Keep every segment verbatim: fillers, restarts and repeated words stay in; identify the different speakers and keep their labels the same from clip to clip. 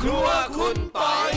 Speaker 1: ครัวคุณปอย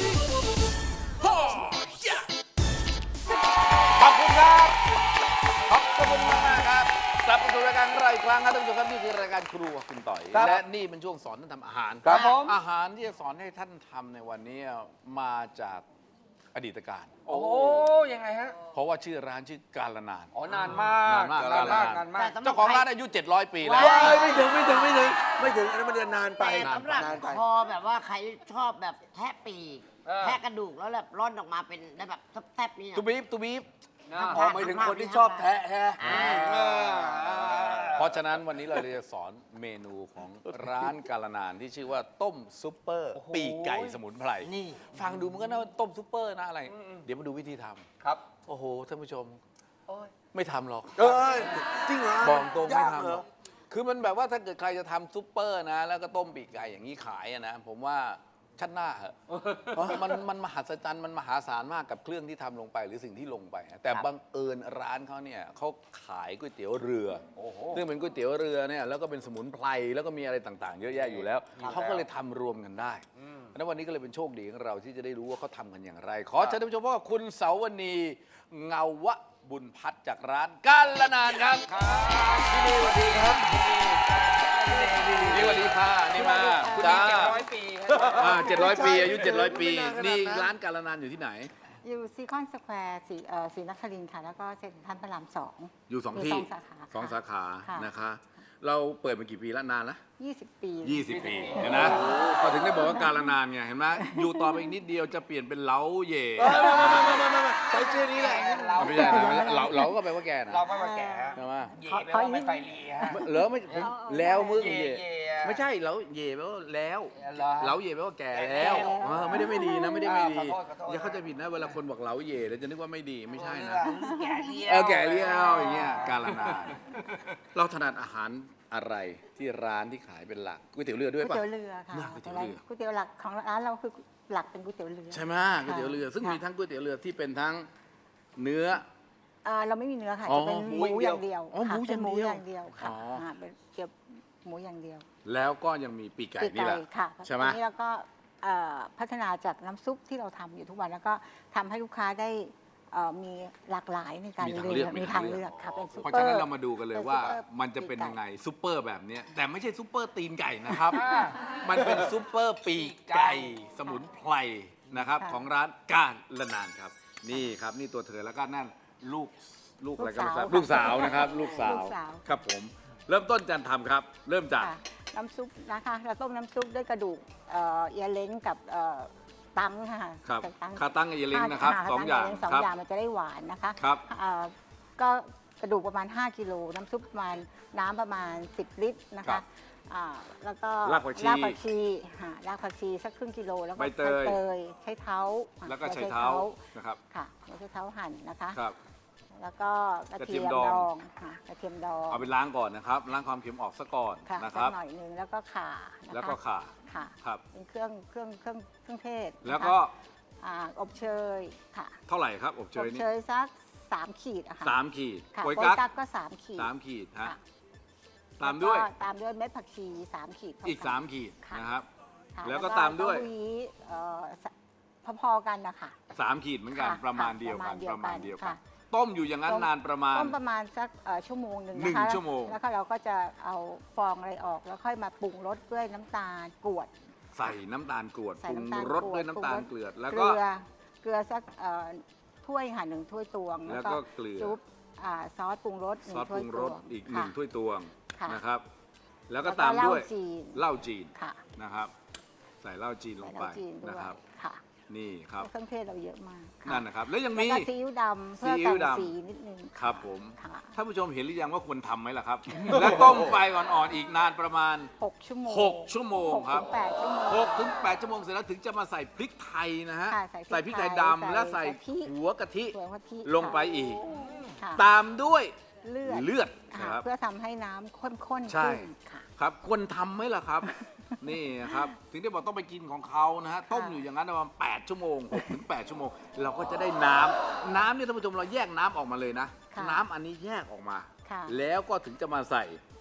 Speaker 1: ขอบคุณครับขอบคุณมากมากครับกลับมาสู่รายการของเราอีกครั้งครับท่านผู้ชมครับนี่คือรายการครัวคุณต่อยและนี่เป็นช่วงสอนท่านทำอาหาร
Speaker 2: ครับผม
Speaker 1: อาหารที่จะสอนให้ท่านทำในวันนี้มาจากอดีตการ
Speaker 2: โอ้ยังไงฮะ
Speaker 1: เพราะว่าชื่อร้านชื่อการนาน
Speaker 2: อ๋อนานมาก
Speaker 1: นานมาก
Speaker 2: นานมาก
Speaker 1: นานมาก
Speaker 2: นานมาก
Speaker 1: เจ้าของร้านอายุเจ็ดร้อยปีแล้ว
Speaker 3: ว้าย ไม่ถึงไม่ถึงไม่ถึงไม่ถึงอันนั้นมันจะนานไป
Speaker 4: แต่สำหรับ
Speaker 3: นานไป
Speaker 4: คอแบบว่าใครชอบแบบแทะปีก
Speaker 2: เออ
Speaker 4: แทะกระดูกแล้วแบบร่อนออกมาเป็นได้แบบแทบๆนี่นะ
Speaker 1: ตูบีฟตูบีฟ
Speaker 2: นะ
Speaker 3: อ๋อหมายถึงคนที่ชอบแทะฮะ
Speaker 4: อ่า
Speaker 2: เออ
Speaker 1: เพราะฉะนั้นวันนี้เราจะสอนเมนูของร้านการนานที่ชื่อว่าต้มซุปเปอร์ปีกไก่สมุนไพร
Speaker 4: นี่
Speaker 1: ฟังดูมันก็น่าว่าต้มซุปเปอร์นะอะไร เดี๋ยวมาดูวิธีทำ
Speaker 2: ครับ
Speaker 1: โอ้โหท่านผู้ชม
Speaker 2: โอ้ย
Speaker 1: ไม่ทำหรอก
Speaker 3: เอ้ยจริงเหรอ
Speaker 1: บอกตรงไม่
Speaker 3: ยาก
Speaker 1: ทำ
Speaker 3: เห
Speaker 1: ห
Speaker 3: ร
Speaker 1: ร
Speaker 3: อ
Speaker 1: อกคือมันแบบว่าถ้าเกิดใครจะทำซุปเปอร์นะ แล้วก็ต้มปีกไก่อย่างนี้ขายอะนะ ผมว่าชัดหน้าเหอะมันมันมหัศจรรย์มันมหาศาลมากกับเครื่องที่ทำลงไปหรือสิ่งที่ลงไปฮะแต่บังเอิญร้านเขาเนี่ยเขาขายก๋วยเตี๋ยวเรือ
Speaker 2: โอ้โห
Speaker 1: ซึ่งเป็นก๋วยเตี๋ยวเรือเนี่ยแล้วก็เป็นสมุนไพรแล้วก็มีอะไรต่างๆ เยอะแยะอยู่แล้วเขาก็เลยทำรวมกันได้แล้ววันนี้ก็เลยเป็นโชคดีของเราที่จะได้รู้ว่าเขาทำกันอย่างไร ขอเชิญท่านผู้ชมพบกับคุณเสาวณีเงาวะบุญพัฒน์จากร้านกาลนานครับพี่ดีสวัสดีครับพี่ดีสวัสดีค่ะนี่มา
Speaker 2: คุณ
Speaker 1: จ้า
Speaker 2: นี่เจ็ดร้อยปีฮะ
Speaker 1: เจ็ดร้อยปีอายุเจ็ดร้อยปีนี่ร้านกาลนานอยู่ที่ไหน
Speaker 5: อยู่ซีคอนสแควร์สีเอ่อศรีนครินทร์ค่ะ แล้วก็เซ็นทรัลพระรามสอง
Speaker 1: อยู่สอง
Speaker 5: มี
Speaker 1: ที่
Speaker 5: สองสาขา
Speaker 1: สองสาขา
Speaker 5: ค่ะ
Speaker 1: นะคะ เราเปิดมากี่ปีแล้วนานแล้ว
Speaker 5: ยี่สิบปี
Speaker 1: ยี่สิบปีเห็นนะก็ถึงได้บอกว่าการนานไงเห็นไหมอยู่ต่อไปอีกนิดเดียวจะเปลี่ยนเป็นเล้าเย่
Speaker 3: ใช้ชื่อนี้แหละ
Speaker 2: เรา
Speaker 1: ไม่ใช่นะไม่ใช่เราเราก็แปลว่าแกนะ
Speaker 2: เราไม่มาแก่
Speaker 1: ใช่ไหม
Speaker 2: เย่แปลว่าไม่ไฟเลียฮะ
Speaker 1: เหรอไม่ผมแล้วมึง
Speaker 2: เย่
Speaker 1: เย่
Speaker 2: เย่
Speaker 1: ไม่ใช่เล้าเย่แปลว่าแล้ว
Speaker 2: เหรอฮะ
Speaker 1: เล้าเย่แปลว่าแก่แล้วเออไม่ได้ไม่ดีนะไม่ได้ไม่ดี
Speaker 2: อ่าขอโทษขอโทษ
Speaker 1: อย่าเข้าใจผิดนะเวลาคนบอกเล้าเย่แล้วจะนึกว่าไม่ดีไม่ใช่นะ
Speaker 2: แก่เลี้ยว
Speaker 1: เออแก่เลี้ยวอย่างเงี้ยการนานเราถนัดอาหารอะไรที่ร้านที่ขายเป็นหลักก๋วยเตี๋ยวเรือ
Speaker 5: ก๋
Speaker 1: ด้
Speaker 5: ว
Speaker 1: วย
Speaker 5: ย
Speaker 1: ป่ะ
Speaker 5: เตี๋ยวเรือค่ะ
Speaker 1: น่าก๋วยเตี๋ยวเรือ
Speaker 5: ก๋วยเตี๋ยวหลักของร้านเราคือหลักเป็นก๋วยเตี๋ยวเรือ
Speaker 1: ใช่ไหมก๋วยเตี๋ยวเรือ ซึ่ง
Speaker 5: ค่ะ
Speaker 1: มีทั้งก๋วยเตี๋ยวเรือที่เป็นทั้งเนื้อ
Speaker 5: อ่าเราไม่มีเนื้อค่ะ
Speaker 1: อ๋อ
Speaker 5: จะเป็น
Speaker 1: ห
Speaker 5: ห
Speaker 1: มู
Speaker 5: มูอย่างเดียว
Speaker 1: อ๋อหมู
Speaker 5: ค่ะเป็นหมู
Speaker 1: อ
Speaker 5: อย่าง
Speaker 1: เดี
Speaker 5: ย่าง
Speaker 1: ยว
Speaker 5: เดียวค่ะ
Speaker 1: อ๋ออ่
Speaker 5: าเป็นเกี่ยวหมูอย่างเดียว
Speaker 1: แล้วก็ยังมีปีกไก่
Speaker 5: ปีก
Speaker 1: นี่แหละ
Speaker 5: ค่ะ
Speaker 1: ใช่ไหม
Speaker 5: อันนี้เราก็เอ่อพัฒนาจากน้ำซุปที่เราทำอยู่ทุกวันแล้วก็ทำให้ลูกค้าได้เอ่อมีหลากหลายในการ
Speaker 1: มีทาง
Speaker 5: เลื
Speaker 1: เลื
Speaker 5: อ
Speaker 1: อก ก
Speaker 5: มีทางเลือกค่ะเป็นซุป
Speaker 1: เพราะ
Speaker 5: เปอ
Speaker 1: ฉะ
Speaker 5: ร์
Speaker 1: นั้นเรามาดูกันเลยว่า
Speaker 5: เป็นซุปเปอร์
Speaker 1: มันจะเป็น
Speaker 5: ปีกไก่
Speaker 1: ยังไงซุปเปอร์แบบเนี้ยแต่ไม่ใช่ซุปเปอร์ตีนไก่นะครับ
Speaker 2: อ่า
Speaker 1: มันเป็นซุปเปอร์ปีกไก่สมุนไพรนะครับ
Speaker 5: ค่ะ
Speaker 1: ของร้านกาลนานครับ นี่ครับนี่ตัวเธอแล้วก็นั่นลูกลูกอะไรก็ไม่ทราบ
Speaker 5: ลู
Speaker 1: ลูก
Speaker 5: ก
Speaker 1: สา
Speaker 5: สาว ว
Speaker 1: นะครับ ลูกสาว
Speaker 5: ลูกสาว
Speaker 1: ครับผม เริ่มต้นการทำครับ เริ่มจาก
Speaker 5: ค่ะน้ำซุปนะคะเราต้มน้ำซุปด้วยกระดูกเอ่อเอียเล้งกับเอ่อตังค่ะ
Speaker 1: ครับ
Speaker 5: กับตัง
Speaker 1: คาตั้งเอเลิงนะครับ
Speaker 5: ค่ะ
Speaker 1: สองอย่าง
Speaker 5: สอง
Speaker 1: ครับ
Speaker 5: อย่างมันจะได้หวานนะคะ
Speaker 1: ครับ
Speaker 5: เอ่อก็กระดูกประมาณ ห้ากิโลน้ำซุปประมาณน้ำประมาณ สิบ ลิตรนะ
Speaker 1: ครั
Speaker 5: คะ
Speaker 1: บ
Speaker 5: อ่าแล้วก็
Speaker 1: รากผักชี
Speaker 5: รากผักชีค่ะรากผักชีสักครึ่งกิโลแล้วก็
Speaker 1: ใบเตย
Speaker 5: ใบยใช้เท้าค่ะ
Speaker 1: แล้วก็
Speaker 5: หั
Speaker 1: ใช้เท้านะครับ
Speaker 5: ค่ะใช้เท้าหั่นนะคะ
Speaker 1: ครับ
Speaker 5: แล้วก็กระ
Speaker 1: กระเที
Speaker 5: เที
Speaker 1: ย
Speaker 5: ย
Speaker 1: ม
Speaker 5: ม
Speaker 1: ดอง
Speaker 5: ดองค่ะกระเทียมดอง
Speaker 1: เอาไปล้างก่อนนะครับล้างความเค็มออกซะก่อน
Speaker 5: ค่ะ
Speaker 1: นะค
Speaker 5: สั
Speaker 1: รับ
Speaker 5: กหน่อยหนึงแล้วก็ข่านะคะ
Speaker 1: แล้วก็ข่า
Speaker 5: ค่ะ
Speaker 1: ครับ
Speaker 5: เป็นเครื่องเครื่องเครื่องเครื่องเทศนะคะ
Speaker 1: แล้วก็
Speaker 5: อ่าอบเชยค่ะ
Speaker 1: เท่าไหร่ครับอบเช
Speaker 5: อบ
Speaker 1: ยนี่
Speaker 5: เชยสักสามขีดอะค่ะ
Speaker 1: สามขีด
Speaker 5: ค่ะ
Speaker 1: โปย
Speaker 5: โปย
Speaker 1: กั๊ก
Speaker 5: กั๊กก็สามขีด
Speaker 1: สามขีดฮะ
Speaker 5: ค่ะ
Speaker 1: ตามด้วย
Speaker 5: แล้ก็ตามด้วยเม็ดผักชีสามขีดเท่
Speaker 1: อีกสามขีด
Speaker 5: ค่ะ
Speaker 1: นะครับ
Speaker 5: ค่ะ
Speaker 1: แล้วก็ตามด้วย
Speaker 5: เต้าหู้เอ่อสพอๆกันนะคะ
Speaker 1: สามขีดเหมือนกัน
Speaker 5: ค่ะ
Speaker 1: ประมาณ
Speaker 5: ค่ะ
Speaker 1: เดียวกัน
Speaker 5: ป
Speaker 1: ประ ระ
Speaker 5: มา
Speaker 1: มา
Speaker 5: ณ
Speaker 1: ณ
Speaker 5: เดี
Speaker 1: เดีย
Speaker 5: ยว วกั
Speaker 1: กัน
Speaker 5: น
Speaker 1: ต้มอยู่อย่างนั้น
Speaker 5: ต้ม
Speaker 1: นานประมาณ
Speaker 5: ต้มประมาณสักเอ่อชั่วโมงหนึ่ง
Speaker 1: หนึ่ง
Speaker 5: นะคะ
Speaker 1: ชั่วโมง
Speaker 5: แล้วก็เราก็จะเอาฟองอะไรออกแล้วค่อยมาปรุงรสด้วยน้ำตาลกรวด
Speaker 1: ใส่น้ำตาลกรวด
Speaker 5: ใส่
Speaker 1: ปรุง
Speaker 5: น้ำตาล
Speaker 1: รส
Speaker 5: กรวด
Speaker 1: ด้วยน้ำตาล
Speaker 5: ปรุงรส
Speaker 1: เกลือแล้ว
Speaker 5: เก
Speaker 1: ก็
Speaker 5: ลือเกลือสักเอ่อถ้วยค่ะหนึ่งถ้วยตวง
Speaker 1: แล้วก็เกลือ
Speaker 5: ซุปอ่าซอสปรุงรสหนึ่
Speaker 1: ซ
Speaker 5: ง
Speaker 1: อสป
Speaker 5: ถ้วย
Speaker 1: รุง
Speaker 5: ต
Speaker 1: ร
Speaker 5: ว
Speaker 1: ส
Speaker 5: ง
Speaker 1: อีกหนึ่ง
Speaker 5: ค่ะ
Speaker 1: ถ้วยตวง
Speaker 5: ค่ะ
Speaker 1: นะครับ แล้วก็
Speaker 5: แล้วก็
Speaker 1: ตามด้วย
Speaker 5: เหล้าจีน
Speaker 1: เหล้าจีน
Speaker 5: ค่ะ
Speaker 1: นะครับ ใส่เหล้าจีนลง
Speaker 5: ใส่
Speaker 1: ไป
Speaker 5: น้ำจีนด้วย
Speaker 1: นะครับ
Speaker 5: ค่ะ
Speaker 1: นี่ครับ
Speaker 5: เครื่องเทศเราเยอะมากค่ะ
Speaker 1: นั่นนะครับ แล้วยัง
Speaker 5: แล้ว
Speaker 1: มี
Speaker 5: ก็ซีอิ๊วดำเพื่อ
Speaker 1: ซีอิ๊
Speaker 5: กั
Speaker 1: วน ดำ
Speaker 5: สีนิดนึงะ
Speaker 1: ครับผม
Speaker 5: ค่ะ
Speaker 1: ท่านผู้ชมเห็นหรือยังว่าควรทำไหมล่ะครับ และต้มไฟอ่อนๆอีกนานประมาณ
Speaker 5: หกชั่วโมง
Speaker 1: หกชั่วโมงครับ
Speaker 5: หกถึงแปดชั่วโมง
Speaker 1: หกถึงแปดชั่วโมงเสร็จแล้วถึงจะมาใส่พริกไทยนะฮะ
Speaker 5: ค่ะใส่พริก
Speaker 1: พริกไทย
Speaker 5: ไทย
Speaker 1: ดำและใส่
Speaker 5: ใส่กะทิ
Speaker 1: หัวกะทิ
Speaker 5: ส่วนกะทิ
Speaker 1: ลงไปอีก
Speaker 5: ค่ะ
Speaker 1: ตามด้วย
Speaker 5: เลือด
Speaker 1: เลือด
Speaker 5: ค่ะ
Speaker 1: นะครับ
Speaker 5: เพื่อทำให้น้ำข้นๆ
Speaker 1: ใช่
Speaker 5: ขึ้นค่ะ
Speaker 1: ครับควรทำไหมล่ะครับ นี่ครับถึงได้บอกต้องไปกินของเขานะฮะต้มอยู่อย่างนั้นประมาณแปดชั่วโมงหกถึงแปดชั่วโมง เราก็จะได้น้ำน้ำเนี่ยท่านผู้ชมเราแยกน้ำออกมาเลยนะ
Speaker 5: ค่ะ
Speaker 1: น้ำอันนี้แยกออกมา
Speaker 5: ค่ะ
Speaker 1: แล้วก็ถึงจะมาใส่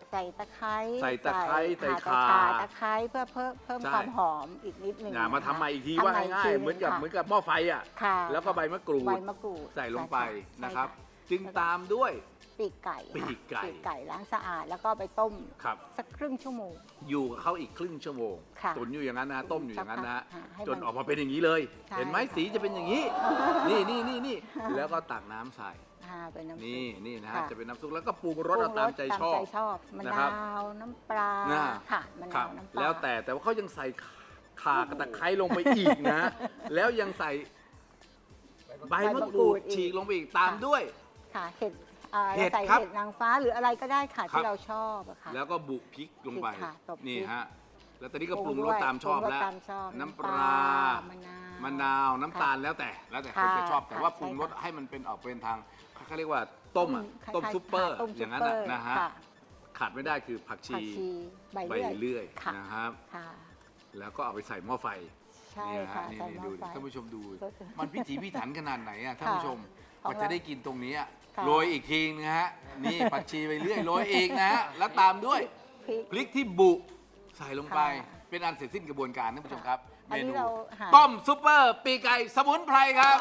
Speaker 5: ใส่ตะไคร้
Speaker 1: ใส่ตะไคร้ใส่
Speaker 5: ข่า
Speaker 1: ข่า
Speaker 5: ตะไคร้เพื่อเพิ่มเพิ่ม
Speaker 1: ใช่
Speaker 5: ความหอมอีกนิดนึง
Speaker 1: อย่ามา
Speaker 5: นะคะ
Speaker 1: ทำใหม่อีกที
Speaker 5: ทำ
Speaker 1: ว่า
Speaker 5: ใหม่
Speaker 1: ง่าย
Speaker 5: ที
Speaker 1: ๆเหมือนกับ
Speaker 5: ค่ะ
Speaker 1: เหมือนกับหม้อไฟอ่ะ
Speaker 5: ค่ะ
Speaker 1: แล้วก็ใบมะกรูด
Speaker 5: ใบมะกรูด
Speaker 1: ใส่ลงไป
Speaker 5: ใช่
Speaker 1: นะครับ
Speaker 5: ใช่
Speaker 1: จึงตามด้วย
Speaker 5: ปีกไก่
Speaker 1: ปีกไก่
Speaker 5: ปีกไก่ล้างสะอาดแล้วก็ไปต้ม
Speaker 1: ครับ
Speaker 5: สักครึ่งชั่วโมง
Speaker 1: อยู่กับเขาอีกครึ่งชั่วโมง
Speaker 5: ค่ะ
Speaker 1: ตุนอยู่อย่างนั้นนะต้มอยู่อย่างนั้นนะ
Speaker 5: ค่ะให้มัน
Speaker 1: จนออกมาเป็นอย่างนี้เลย
Speaker 5: ใช่
Speaker 1: เห็นไหมสีจะเป็นอย่างนี้ นี่นี่นี่นี่แล้วก็ตักน้ำใส่
Speaker 5: อ่าเป็นน้ำซุป
Speaker 1: นี่นี่นะฮะ
Speaker 5: ค่ะ
Speaker 1: จะเป็นน้ำซุปแล้วก็ปรุงร
Speaker 5: ป
Speaker 1: ส
Speaker 5: รุ
Speaker 1: เอา
Speaker 5: ง
Speaker 1: ตามใจชอบ
Speaker 5: ชอบมะ
Speaker 1: นะครับ
Speaker 5: นาวน้ำปลา
Speaker 1: น่า
Speaker 5: ค่ะมะ
Speaker 1: ครั
Speaker 5: นา
Speaker 1: บ
Speaker 5: วน้ำปลา
Speaker 1: แล้วแต่แต่ว่าเขายังใส่ข่ากระตะไคร้ลงไปอีกนะ แล้วยังใส่ใบมะกรูดฉีกลงไปอีกตามด้วย
Speaker 5: ค่ะเห็ดอ่า
Speaker 1: เห็ด
Speaker 5: ใส่
Speaker 1: ครับ
Speaker 5: เห็ดนางฟ้าหรืออะไรก็ได้ค่ะ
Speaker 1: ครับ
Speaker 5: ที่เราชอบอะค่ะ
Speaker 1: แล้วก็บุกพริกลงไป
Speaker 5: พริกค่ะตบพริก
Speaker 1: นี่ฮะแล้วตอนนี้ก็ป
Speaker 5: ปรุ
Speaker 1: รุง
Speaker 5: ง
Speaker 1: ร
Speaker 5: ด้
Speaker 1: ส
Speaker 5: วย
Speaker 1: ตามชอบ
Speaker 5: ปรุงรส
Speaker 1: แล้ว
Speaker 5: ตามชอบ
Speaker 1: น้ำป
Speaker 5: น้ำป
Speaker 1: ลา
Speaker 5: ลามะนาว
Speaker 1: มะนาวน้ำตาล
Speaker 5: ค่ะ
Speaker 1: แล้วแต่แล้วแต่คน
Speaker 5: ค่ะ
Speaker 1: จะชอบแต่ว่าปรุงรส
Speaker 5: ใช่ค่ะ
Speaker 1: ให้มันเป็นออกเป็นทางเขาเรียกว่าต้มอะ
Speaker 5: คล้ายๆ
Speaker 1: ต้มซุปเปอร์
Speaker 5: ค่ะต้ม
Speaker 1: อย่างนั้น
Speaker 5: ซุป
Speaker 1: อะ
Speaker 5: เปอร์
Speaker 1: นะฮะ
Speaker 5: ค่
Speaker 1: ขาดไม่ได้คือผัก
Speaker 5: ผั
Speaker 1: ชี
Speaker 5: กชีใบ
Speaker 1: ใบ
Speaker 5: เลื่อย
Speaker 1: เลื่อย
Speaker 5: ค่ะ
Speaker 1: นะครับ
Speaker 5: ค่ะ
Speaker 1: แล้วก็เอาไปใส่หม้อไฟ
Speaker 5: ใช่
Speaker 1: เนี่ยฮะ
Speaker 5: ค่ะ
Speaker 1: นี่
Speaker 5: ใส่
Speaker 1: นี่
Speaker 5: หม้
Speaker 1: ดู
Speaker 5: อ
Speaker 1: ดิ
Speaker 5: ไฟ
Speaker 1: ท่านผู้ชมดู
Speaker 5: ก็คือ
Speaker 1: มันพิถีพิถันขนาดไหนอะท่านผู้ชมก
Speaker 5: ของ
Speaker 1: ว่า
Speaker 5: เรา
Speaker 1: จะได้กินตรงนี้อะ
Speaker 5: ค่ะ
Speaker 1: โรยอีกทีนะฮะนี่ผักชีไปเรื่อยโรยอีกนะฮะแล้วตามด้วย
Speaker 5: พริก
Speaker 1: พริกที่บุใส่ลงไป
Speaker 5: ค่ะ
Speaker 1: เป็นอันเสร็จสิ้นกระบวนการท่านผู้ชมครับ
Speaker 5: อัน
Speaker 1: เม
Speaker 5: นี้
Speaker 1: นู
Speaker 5: เราหา
Speaker 1: ต้มซุปเปอร์ปีกไก่สมุนไพรครับ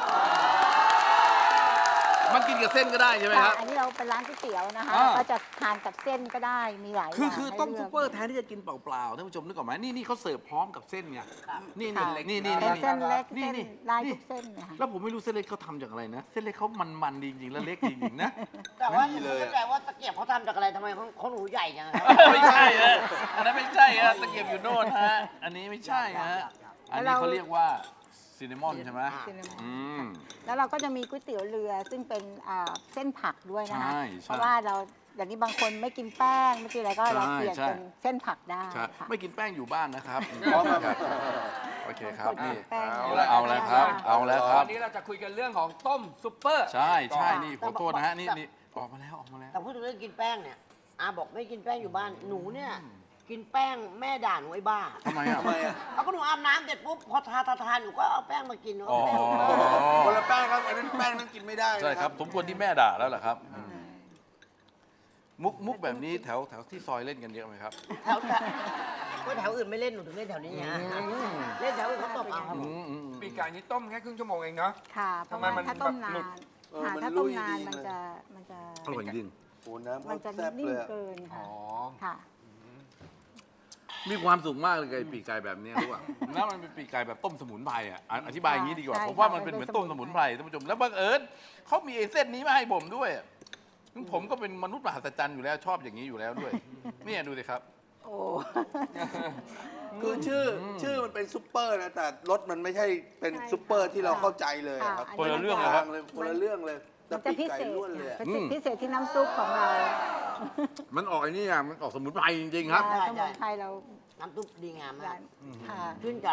Speaker 1: มันกินกับเส้นก็ได้ใช่ไหมครับ
Speaker 5: ค่ะอันนี้เราเป็นร้านก๋วยเตี๋ยวนะคะ
Speaker 1: อ่า
Speaker 5: ก็จะทานกับเส้นก็ได้มีหลาย
Speaker 1: คือ
Speaker 5: อย่าง
Speaker 1: คือ
Speaker 5: ให้
Speaker 1: ต้ม
Speaker 5: ลืก
Speaker 1: ซุปเปอร์แทนที่จะกินเปล่าๆท่านผู้ชมนึกออกไหมนี่นี่เขาเสิร์ฟพร้อมกับเส้นไงนี่นี่
Speaker 5: ค่ะ
Speaker 1: นี่นี่
Speaker 5: เป็น
Speaker 1: นี่
Speaker 5: เส้นเล็ก
Speaker 1: นี่
Speaker 5: เส้น
Speaker 1: นี่
Speaker 5: ลาย
Speaker 1: นี่
Speaker 5: ทุกเส้นเนะคะ
Speaker 1: แล้วผมไม่รู้เส้นเล็กเขาทำจากอะไรนะ เส้นเล็กเขามันๆดีจริงๆแล้วเล็กจริงๆนะ
Speaker 4: แต่ว่าห
Speaker 1: ดี
Speaker 4: นู
Speaker 1: เลย
Speaker 4: เข้าใจว่าตะเกียบเขาทำจากอะไรทำไมเขาเขาหนูใหญ่จังครับ
Speaker 1: ไม่ใช่ฮะอันนั้นไม่ใช่ฮะตะเกียบอยู่โน่นฮะอันนี้ไม่ใช่ฮะอันนี้เขาเรียกว่าซินนามอนใช่ไหม
Speaker 5: ซินนามอน
Speaker 1: อืม
Speaker 5: แล้วเราก็จะมีก๋วยเตี๋ยวเรือซึ่งเป็นอ่าเส้นผักด้วยนะคะ
Speaker 1: ใช่ใช่
Speaker 5: เพราะว่าเราอย่างนี้บางคนไม่กินแป้งไม่กินอะไรก็เรา
Speaker 1: ใช่
Speaker 5: เปลี่ยน
Speaker 1: ใช่
Speaker 5: เป็นเส้นผักได้
Speaker 1: ใช่
Speaker 5: ค่ะ
Speaker 1: ไม่กินแป้งอยู่บ้านนะครับพร้อมครับโอเคครับนี่
Speaker 5: แป้ง
Speaker 1: เอาละเอาละครับ เอาแล้วครับ
Speaker 2: วันนี้เราจะคุยกันเรื่องของต้มซุปเปอร์
Speaker 1: ใช่ใช่นี่ขอโทษนะฮะนี่นี่ออกมาแล้วออกมาแล้ว
Speaker 4: แต่พูดถึงเรื่องกินแป้งเนี่ยอาบอกไม่กินแป้งอยู่บ้านหนูเนี่ยกินแป้งแม่ด่าหนูไอ้บ้า
Speaker 1: ทำไมอ่ะ
Speaker 3: ทำไมอ่ะ
Speaker 4: เอาก็หนูอาบน้ำเสร็จปุ๊บพอทาทาทาหนูก็เอาแป้งมากิน
Speaker 1: อ๋อ
Speaker 3: คนละแป้งครับอันนั้นแป้งนั้นกินไม่ได้นะ
Speaker 1: ใช่ครับสมควรที่แม่ด่าแล้วเหรอครับมุกมุกแบบนี้แถวแถวที่ซอยเล่นกันเยอะไหมครับ
Speaker 4: แถวแถวก็แถวอื่นไม่เล่นหนูถึงเล่นแถวนี้ฮะเล่นแถวอื่นเขาตบเอาครับ
Speaker 1: อื
Speaker 4: ผม
Speaker 1: มอืม
Speaker 2: ปีกไก่นี้ต้มแค่ครึ่งชั่วโมงเองเนาะ
Speaker 5: ค่ะเพราะ
Speaker 2: ทำไม
Speaker 5: ว่า
Speaker 2: มัน
Speaker 5: ถ้าต้ม
Speaker 2: แบบ
Speaker 5: นา
Speaker 2: หลุด
Speaker 5: น
Speaker 3: เออ
Speaker 5: ค่ะ
Speaker 3: มัน
Speaker 5: ถ้าต้ม
Speaker 3: ลุย
Speaker 5: นาน
Speaker 3: ดี
Speaker 5: มัน
Speaker 3: เลย
Speaker 5: จะมันจะ
Speaker 1: อร่อยจริง
Speaker 3: โอ้น้ำ
Speaker 5: มันจะ
Speaker 3: แซ่บ
Speaker 5: นิ่
Speaker 3: เล
Speaker 5: ม
Speaker 3: ยอะ
Speaker 5: เกิน
Speaker 2: อ๋
Speaker 5: ค่ะ
Speaker 2: อ
Speaker 5: ค่ะ
Speaker 1: มีความสุขมากเลยกับไอ้ปีกไก่แบบเนี้ยรู้ป่ะแล้วมันเป็นปีกไก่แบบต้มสมุนไพรอ่ะอ่ะอธิบายอย่างนี้ดีกว่า
Speaker 5: ใช่
Speaker 1: ผมว่า
Speaker 5: ค่ะ
Speaker 1: มันเป็นเหมือน
Speaker 5: เป็น
Speaker 1: ต้มสมุนไพรท่านผู้ชมแล้วบังเอิญเขามีไอ้เส้นนี้มาให้ผมด้วยอ่ะซึ่งผมก็เป็นมนุษย์มหัศจรรย์อยู่แล้วชอบอย่างนี้อยู่แล้วด้วยเนี่ยดูสิครับ
Speaker 5: โอ้
Speaker 3: คือชื่ออชื่อมันเป็นซุปเปอร์นะแต่รสมันไม่ใช่เป็นซุปเปอร์ที่เราเข้าใจเลยอะครับ
Speaker 5: ค่ะ
Speaker 1: คนละเรื่อง
Speaker 5: มั
Speaker 1: เลยครับ
Speaker 3: เลยคนละเรื่องเลยแต่
Speaker 5: มันจะ
Speaker 3: ปี
Speaker 5: พิ
Speaker 3: กไก่
Speaker 5: เศษ
Speaker 3: ล้วนเลยอะ
Speaker 5: เป็น
Speaker 1: อืม
Speaker 5: พิเศษที่น้ำซุปของเรา
Speaker 1: มันออกไอ้นี่อ่ะมันออกสมุนไพรจริงๆครับ
Speaker 5: อ่าสมุนไพรเรา
Speaker 4: น้ำซุปดีงามมา
Speaker 5: ร้าก นค่ะ
Speaker 4: ชื่นใจ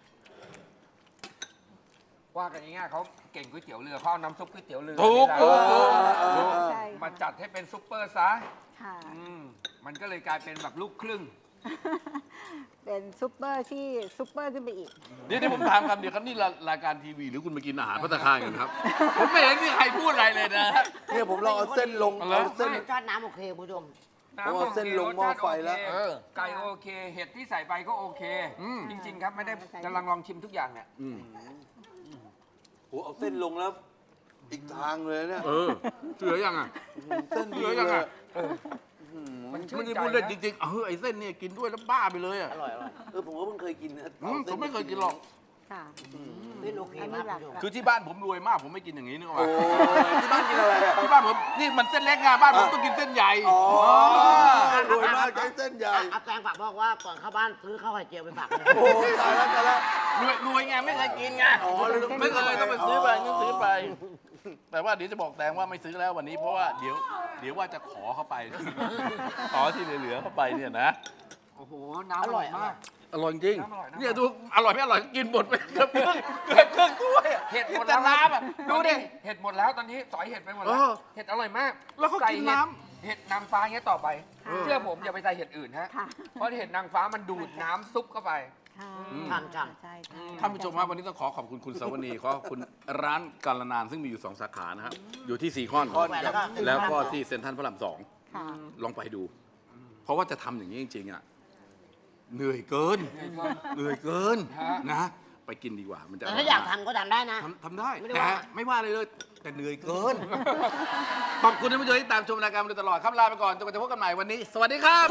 Speaker 2: ว่ากันง่ายๆเขาเก่งก๋วยเตี๋ยวเรือเขาเอาน้ำซุปก๋วยเตี๋ยวเรือ
Speaker 1: ถูก
Speaker 2: นี่แหละ
Speaker 1: ถูก
Speaker 3: ถูก
Speaker 5: ใช่
Speaker 2: มา
Speaker 5: ค่ะ
Speaker 2: จัดให้เป็นซุปเปอร์ซะ
Speaker 5: ค่ะ
Speaker 2: อืมมันก็เลยกลายเป็นแบบลูกครึ่ง
Speaker 5: เป็นซุปเปอร์ที่ซุปเปอร์ขึ้นไปอีก
Speaker 1: เดี๋ยวที่ผมถามคำเดียวครับนี่รายการทีวีหรือคุณมากินอาหารพัตตาคารกันครับ ผมไม่เห็นมีใครพูดอะไรเลยนะ
Speaker 3: เนี่ยผมลองเอาเส้นลง
Speaker 1: เอาเลย
Speaker 3: เอาเส้น
Speaker 4: รสชาติน้ำโอเคคุณผู้ชม
Speaker 3: ผมเอาเส้นลงหม้อไฟแล้ว
Speaker 2: เออไก่โอเค เห็ดที่ใส่ไปก็โอเค
Speaker 1: อืม
Speaker 2: จริง ๆ ครับไม่ได้กำลังลองชิมทุกอย่างเนี่ย
Speaker 1: อืม
Speaker 3: โหเอาเส้นลงแล้ว อีกทางเลยเนี่ย
Speaker 1: เออเหลือยังอ่ะ
Speaker 3: เส้นดี
Speaker 1: เหลือยัง
Speaker 3: เลย
Speaker 1: อ่ะ
Speaker 2: มันชื่
Speaker 1: ไม่
Speaker 2: น
Speaker 1: ได้
Speaker 2: ใจ
Speaker 1: พูดเล่น
Speaker 2: นะ
Speaker 1: จริงๆเออไอ้เส้นเนี่ยกินด้วยแล้วบ้าไปเลยอ่ะ
Speaker 4: อร่อยอร่อย
Speaker 3: เออผมก็เพิ่งเคยกินนะ
Speaker 1: อืม
Speaker 3: อาส้
Speaker 1: ผมไม่เคยกินหรอก
Speaker 5: ค่ะ
Speaker 4: เส้นโอเคมากคุณผู้ชม
Speaker 1: คือที่บ้านผมรวยมากผมไม่กินอย่างนี้นึกออก
Speaker 3: โอ้
Speaker 1: ปะ
Speaker 3: ยที่บ้านกินอะไรอ่ะ
Speaker 1: ที่บ้านผมนี่มันเส้นเล็กไงบ้านผมต้องกินเส้นใหญ่
Speaker 3: อ๋อ
Speaker 1: อ
Speaker 3: รวยมากใช้เส้นใหญ่
Speaker 4: อ่ะอาแตงฝากบอกว่าก่อนเข้าบ้านซื้อข้าวไข่เจียวไปฝากเลย
Speaker 3: โอ้ยตายแล้วตายแล้ว
Speaker 1: รวยรวยไงไม่เคยกินไง
Speaker 3: อ๋อเลย
Speaker 1: ไม่เคยต้องไปซื้อไปต้องซื้อไป แต่ว่าเดี๋ยวจะบอกแตงว่าไม่ซื้อแล้ววันนี้เพราะว่าเดี๋ยวเดี๋ยวว่าจะขอเข้าไป ขอที่เหลือๆเข้าไปเนี่ยนะ
Speaker 2: โอ้โห น้ำอร่อยมาก
Speaker 1: อร่อยจริง
Speaker 2: น้ำอร่อยน้ำอร่อย
Speaker 1: เนี่ยดูอร่อยไม่อร่อยกินหมดไปเกือบครึ่งเกือบครึ่งถ้วยอะ
Speaker 2: เห็ดหมด
Speaker 1: แต่
Speaker 2: แล้ว
Speaker 1: น้ำอ่ะดูดิ
Speaker 2: เห็ดหมดแล้วตอนนี้สอยเห็ดไปหมดแล้ว
Speaker 1: เออ
Speaker 2: เห็ดอร่อยมาก
Speaker 1: แล้วเขากิน
Speaker 2: ใส่ห็ด
Speaker 1: น้
Speaker 2: เห็ดนางฟ้าอย่างเงี้ยต่อไป
Speaker 5: ค่ะ
Speaker 2: เชื่อผมอย่าไปใส่เห็ดอื่นฮะ
Speaker 5: ค่ะ
Speaker 2: เพราะเห็ดนางฟ้ามันดูดน้ำซุปเข้าไป
Speaker 5: ค่ะ
Speaker 4: ทานกัน
Speaker 5: ใช่ใช่
Speaker 1: ท่านผู้ชมครับวันนี้ต้องขอขอบคุณคุณสาวนีขอขอบคุณร้านกาลนานซึ่งมีอยู่สองสาขานะครับอยู่ที่ซีคอน
Speaker 3: ซีคอน
Speaker 4: แล้วก็
Speaker 1: แล้วก็ที่เซ็นทรัลพระรามสอง
Speaker 5: ค่ะ
Speaker 1: ลองไปดูเพราะว่าจะทำอย่างนี้จริงๆอ่ะเหนื่อยเกิน เหนื่อยเกิน
Speaker 2: ฮะ
Speaker 1: นะ ไปกินดีกว่า มันจะ
Speaker 4: แต่ถ้าอยากทำก็ทำได้นะ
Speaker 1: ทำทำได้
Speaker 4: ไม่ได้
Speaker 1: แต่
Speaker 4: ว่า
Speaker 1: ไม่ว่าเลยเลย แต่เหนื่อยเกิน ขอบคุณท่านผู้ชมที่ตามชมรายการมาโดยตลอดครับลาไปก่อนจนกว่าจะพบกันใหม่วันนี้ สวัสดีครับ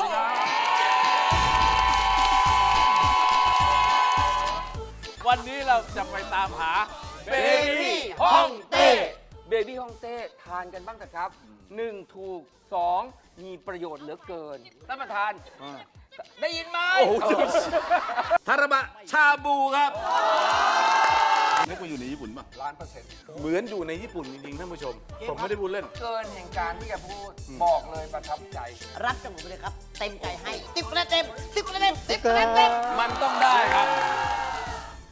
Speaker 1: วันนี้เราจะไปตามหาเบบี้ฮ่องเต้
Speaker 2: เบบี้ฮ่องเต้ทานกันบ้างเถอะครับหนึ่งถูกสองมีประโยชน์เหลือเกินท่านประธาน ได้ยินไหม
Speaker 1: โอ้โหทาราบะชาบูครับนึกว่าอยู่ในญี่ปุ่นป่ะ
Speaker 2: ล้านเปอร์เซ็นต์
Speaker 1: เหมือนอยู่ในญี่ปุ่นจริงๆท่านผู้ชม ผมไม่ได้พูดเล่น
Speaker 2: เกินแห่งการที่แกพูด บอกเลยประทับใจ
Speaker 4: รับจากหนูไปเลยครับ เต็มใจให้ติ๊บคะแนนเต็มติ๊บคะแนนเต็มติ๊บคะแนนเต็ม
Speaker 1: มันต้องได้ครับ